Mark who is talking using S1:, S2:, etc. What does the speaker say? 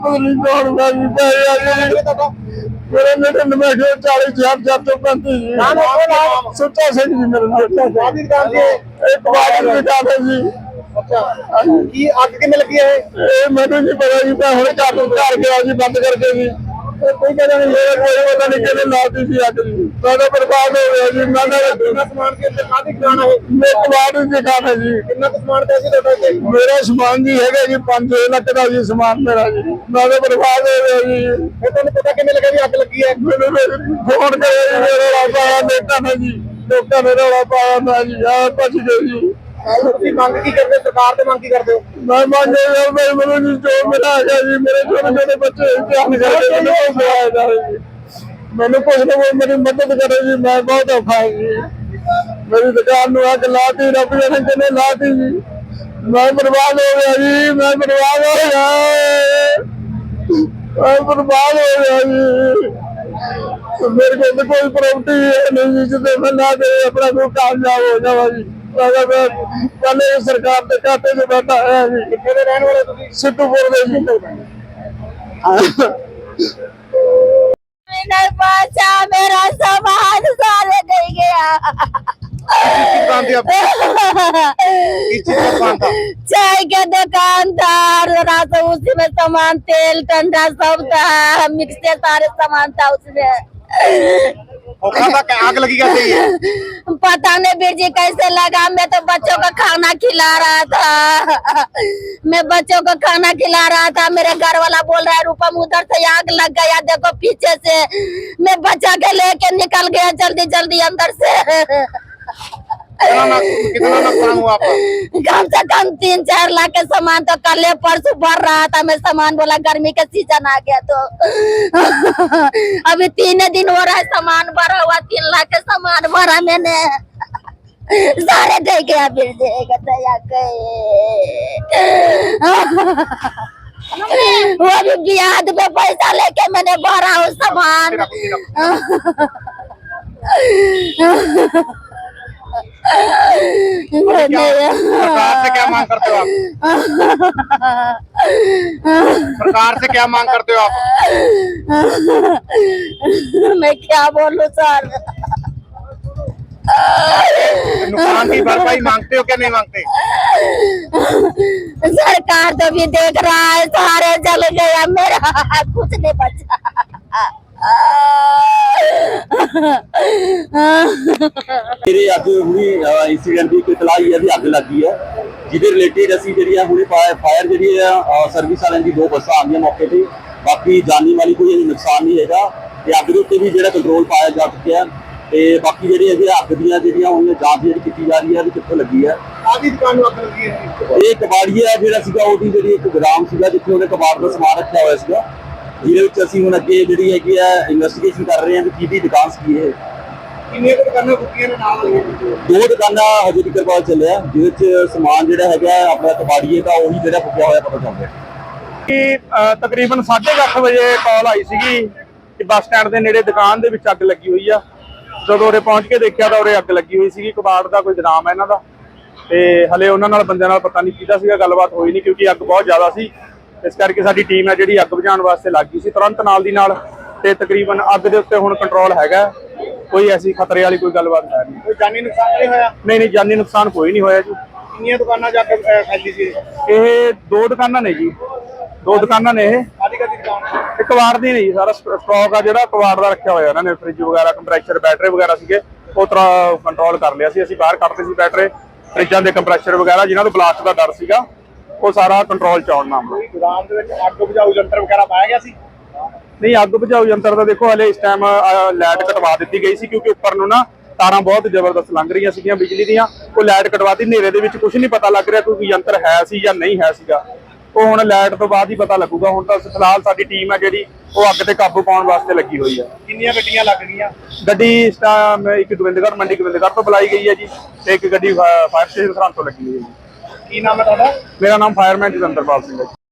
S1: मेरे बेटे ने मैं 40,000 तो बनती सुच्चा सिंह जी मेरे एक बार बिठा जी।
S2: ਕੀ ਅੱਗ ਕਿਵੇਂ ਲੱਗੀ ਹੈ
S1: मैंने नहीं पता जी मैं हूँ घर गया जी बंद करके जी कोई कहना नहीं मेरा कोई पता नहीं कहने लाती थी अग जी मैं तो बर्बाद हो गया जी मैंने
S2: ਕਿੰਨਾ ਸਮਾਨ ਕੇ ਅੰਦਰ ਕਾਹਦੀ ਦੁਕਾਨ ਹੈ
S1: मैं कबाड़ नहीं दिखाना जी
S2: ਕਿੰਨਾ ਕੁ ਸਮਾਨ ਪਿਆ ਸੀ ਤੁਹਾਡੇ ਤੇ
S1: मेरा सामान जी है जी 5 लाख का जी सामान मेरा जी मैं तो बर्बाद हो गया जी
S2: ਫਿਰ ਤੁਹਾਨੂੰ ਪਤਾ ਕਿਵੇਂ ਲੱਗਾ ਵੀ ਅੱਗ ਲੱਗੀ ਹੈ
S1: मैंने फोन करे जी मेरा रौला पाया बेटा ने जी लोगों ने रौला पाया मैं जी भज गए जी
S2: ਤੁਸੀਂ ਮੰਗ ਕੀ ਕਰਦੇ ਹੋ? ਸਰਕਾਰ ਤੇ ਮੰਗ ਕੀ ਕਰਦੇ ਹੋ
S1: मैं मान मेरे जी जो मेरा है जी मेरे छोटे छोटे बच्चे ध्यान करके मैंने कुछ ना कोई मेरी मदद करे जी मैं बहुत औखा है जी मेरी दुकान में आग लाती रब जाने कितने लाती जी मैं बर्बाद हो गया जी मैं बर्बाद हो गया मैं बर्बाद हो गया जी तो मेरे को तो कोई प्रॉपर्टी नहीं जी जिसे मैं ला दे अपना कोई कामयाब हो जावा जी पहले सरकार के खाते से बैठा है जी
S2: ਕਿੱਥੇ ਦੇ ਰਹਿਣ ਵਾਲੇ ਤੁਸੀਂ
S1: सिद्धूपुर दे जी
S3: नहीं पहुंचा मेरा सामान सारे नहीं गया
S2: दुकान थी आपकी किस चीज का दुकान था
S3: चाय के दुकान था रात उसी में सामान तेल ठंडा सब था मिक्स के सारे सामान था उसमें
S2: खोखा था क्या आग लगी कैसे ये
S3: पता नहीं बीर जी कैसे लगा मैं तो बच्चों को खाना खिला रहा था मैं बच्चों को खाना खिला रहा था मेरे घर वाला बोल रहा है रूपम उधर से आग लग गया देखो पीछे से मैं बच्चा के लेके निकल गया जल्दी जल्दी अंदर से
S2: कितना नुकसान हुआ आपका
S3: कम से कम 3-4 लाख के सामान तो कल परसों भर रहा था मैं सामान बोला गर्मी का सीजन आ गया तो अभी 3 दिन हो रहा है सामान भरा हुआ 3 लाख के सामान भरा मैंने सारे दे गया फिर देगा दया वो भी ब्याज पे पैसा लेके मैंने भरा हूँ सामान
S2: सरकार से क्या मांग करते हो आप सरकार से क्या मांग करते हो आप
S3: मैं क्या बोलूं सर
S2: नुकसान की भरपाई मांगते हो क्या नहीं मांगते
S3: सरकार तो भी देख रहा है सारे जल गया मेरा कुछ नहीं बचा
S4: मेरे अग हुई इंसीडेंट की इतला ही है भी अग लगी है जिदे रिलेटेड असी जी हुई फायर जी सर्विस वाले की 2 बसा आ गई मौके पर बाकी जानी वाली कोई नुकसान नहीं है अग के उत्ते भी जो कंट्रोल पाया जा चुका है ਤੇ ਬਾਕੀ ਜਿਹੜੀ ਹੈਗੀ ਅੱਗ ਦੀਆਂ ਜਿਹੜੀਆਂ ਉਹਨੇ ਜਾਂਚ ਜਿਹੜੀ ਕੀਤੀ ਜਾ ਰਹੀ ਹੈ ਵੀ ਕਿੱਥੋਂ ਲੱਗੀ ਹੈ
S2: ਆਦੀ ਦੁਕਾਨ ਨੂੰ ਅੱਗ ਲੱਗੀ ਹੈ
S4: ਇਹ ਕਬਾੜੀਆ ਜਿਹੜਾ ਸੀਗਾ ਉਹਦੀ ਜਿਹੜੀ ਇੱਕ ਗੋਦਾਮ ਸੀਗਾ ਜਿੱਥੇ ਉਹਨੇ ਕਬਾੜ ਦਾ ਸਮਾਨ ਰੱਖਿਆ ਹੋਇਆ ਸੀਗਾ ਜਿਹਦੇ ਵਿੱਚ ਅਸੀਂ ਹੁਣ ਅੱਗੇ ਜਿਹੜੀ ਹੈਗੀ ਹੈ ਇਨਵੈਸਟੀਗੇਸ਼ਨ ਕਰ ਰਹੇ ਹਾਂ ਕਿ ਕਿਹਦੀ ਦੁਕਾਨ ਸੀ ਇਹ
S2: ਕਿੰਨੀਆਂ ਦੁਕਾਨਾਂ ਬੁੱਕੀਆਂ ਨੇ ਨਾਲ ਹੋਈਆਂ
S4: 2 ਦੁਕਾਨਾਂ ਹਜੇ ਤੱਕ ਪਤਾ ਚੱਲਿਆ ਜਿਹਦੇ ਵਿੱਚ ਸਮਾਨ ਜਿਹੜਾ ਹੈਗਾ ਆਪਣਾ ਕਬਾੜੀਏ ਦਾ ਉਹੀ ਜਿਹੜਾ ਫੁੱਕਿਆ ਹੋਇਆ ਪਤਾ ਚੱਲ ਰਿਹਾ
S5: ਕਿ ਤਕਰੀਬਨ 8:30 ਵਜੇ ਕਾਲ ਆਈ ਸੀਗੀ ਕਿ ਬੱਸ ਸਟੈਂਡ ਦੇ ਨੇੜੇ ਦੁਕਾਨ ਦੇ ਵਿੱਚ ਅੱਗ ਲੱਗੀ ਹੋਈ ਆ ਜਦੋਂ ਉਰੇ ਪਹੁੰਚ ਕੇ ਦੇਖਿਆ ਤਾਂ ਉਰੇ ਅੱਗ ਲੱਗੀ ਹੋਈ ਸੀਗੀ ਕਬਾੜ ਦਾ ਕੋਈ ਗੋਦਾਮ ਹੈ ਇਹਨਾਂ ਦਾ ਤੇ ਹਲੇ ਉਹਨਾਂ ਨਾਲ ਬੰਦਿਆਂ ਨਾਲ ਪਤਾ ਨਹੀਂ ਕਿਹਦਾ ਸੀਗਾ ਗੱਲਬਾਤ ਹੋਈ ਨਹੀਂ ਕਿਉਂਕਿ ਅੱਗ ਬਹੁਤ ਜ਼ਿਆਦਾ ਸੀ ਇਸ ਕਰਕੇ ਸਾਡੀ ਟੀਮ ਹੈ ਜਿਹੜੀ ਅੱਗ ਬੁਝਾਉਣ ਵਾਸਤੇ ਲੱਗ ਗਈ ਸੀ ਤੁਰੰਤ ਨਾਲ ਦੀ ਨਾਲ ਤੇ ਤਕਰੀਬਨ ਅੱਗ ਦੇ ਉੱਤੇ ਹੁਣ ਕੰਟਰੋਲ ਹੈਗਾ ਕੋਈ ਐਸੀ ਖਤਰੇ ਵਾਲੀ ਕੋਈ ਗੱਲਬਾਤ ਹੈ ਨਹੀਂ
S2: ਕੋਈ ਜਾਨੀ ਨੁਕਸਾਨ ਨਹੀਂ ਹੋਇਆ
S5: ਨਹੀਂ ਜਾਨੀ ਨੁਕਸਾਨ ਕੋਈ ਨਹੀਂ ਹੋਇਆ ਜੀ
S2: ਕਿੰਨੀਆਂ ਦੁਕਾਨਾਂ ਜਾ ਕੇ ਫੈਲੀ ਸੀ
S5: ਇਹ 2 ਦੁਕਾਨਾਂ ਨੇ ਜੀ 2 ਦੁਕਾਨਾਂ ਨੇ ਇਹ
S2: ਕਾਦੀ ਦੁਕਾਨ
S5: ਇਹ ਕਬਾੜ ਦੀ ਨਹੀਂ ਸਾਰਾ ਸਟਾਕ ਆ ਜਿਹੜਾ ਕਬਾੜ ਦਾ ਰੱਖਿਆ ਹੋਇਆ ਇਹਨਾਂ ਨੇ ਫ੍ਰਿਜ ਵਗੈਰਾ ਕੰਪਰੈਸ਼ਰ ਬੈਟਰੀ ਵਗੈਰਾ ਸੀਗੇ ਉਹ ਤਰ੍ਹਾਂ ਕੰਟਰੋਲ ਕਰ ਲਿਆ ਸੀ ਅਸੀਂ ਬਾਹਰ ਕੱਢਦੇ ਸੀ ਬੈਟਰੀ ਫ੍ਰਿਜਾਂ ਦੇ ਕੰਪਰੈਸ਼ਰ ਵਗੈਰਾ ਜਿਨ੍ਹਾਂ ਨੂੰ ਬਲਾਸਟ ਦਾ ਡਰ ਸੀਗਾ ਉਹ ਸਾਰਾ ਕੰਟਰੋਲ ਚ ਆਉਣ ਮਾਮਲਾ
S2: ਗੋਦਾਮ ਦੇ ਵਿੱਚ ਅੱਗ ਬੁਝਾਊ ਯੰਤਰ ਵਗੈਰਾ ਪਾਇਆ ਗਿਆ ਸੀ
S5: ਨਹੀਂ ਅੱਗ ਬੁਝਾਊ ਯੰਤਰ ਦਾ ਦੇਖੋ ਹਲੇ ਇਸ ਟਾਈਮ ਲਾਈਟ ਕਟਵਾ ਦਿੱਤੀ ਗਈ ਸੀ ਕਿਉਂਕਿ ਉੱਪਰ ਨੂੰ ਨਾ ਤਾਰਾਂ ਬਹੁਤ ਜ਼ਬਰਦਸਤ ਲੰਘ ਰਹੀਆਂ ਸੀਗੀਆਂ ਬਿਜਲੀ ਦੀਆਂ ਉਹ ਲਾਈਟ ਕਟਵਾਤੀ ਹਨੇਰੇ ਦੇ ਵਿੱਚ ਕੁਝ ਨਹੀਂ ਪਤਾ ਲੱਗ ਰਿਹਾ ਕੋਈ ਯੰਤਰ ਹੈ ਸੀ ਜਾਂ ਨਹੀਂ ਹੈ ਸੀਗਾ ਉਹ ਹੁਣ ਲਾਈਟ ਤੋਂ ਬਾਅਦ ਹੀ ਪਤਾ ਲੱਗੂਗਾ ਹੁਣ ਤਾਂ ਫਿਲਹਾਲ ਸਾਡੀ ਟੀਮ ਹੈ ਜਿਹੜੀ ਉਹ ਅੱਗ ਤੇ ਕਾਬੂ ਪਾਉਣ ਵਾਸਤੇ ਲੱਗੀ ਹੋਈ ਹੈ
S2: ਕਿੰਨੀਆਂ ਗੱਡੀਆਂ ਲੱਗ ਗਈਆਂ
S5: ਗੱਡੀ ਇਸ ਟਾਈਮ ਇੱਕ ਗੋਬਿੰਦਗੜ੍ਹ ਮੰਡੀ ਗੋਬਿੰਦਗੜ੍ਹ ਤੋਂ ਬੁਲਾਈ ਗਈ ਹੈ ਜੀ ਤੇ ਇੱਕ ਗੱਡੀ ਫਾਇਰ ਸਟੇਸ਼ਨ ਸਰਹੰਦ ਤੋਂ ਲੱਗੀ ਹੋਈ ਹੈ ਜੀ
S2: ਕੀ ਨਾਮ ਹੈ ਤੁਹਾਡਾ
S5: ਮੇਰਾ ਨਾਮ ਫਾਇਰਮੈਨ ਜਤਿੰਦਰਪਾਲ ਸਿੰਘ ਹੈ।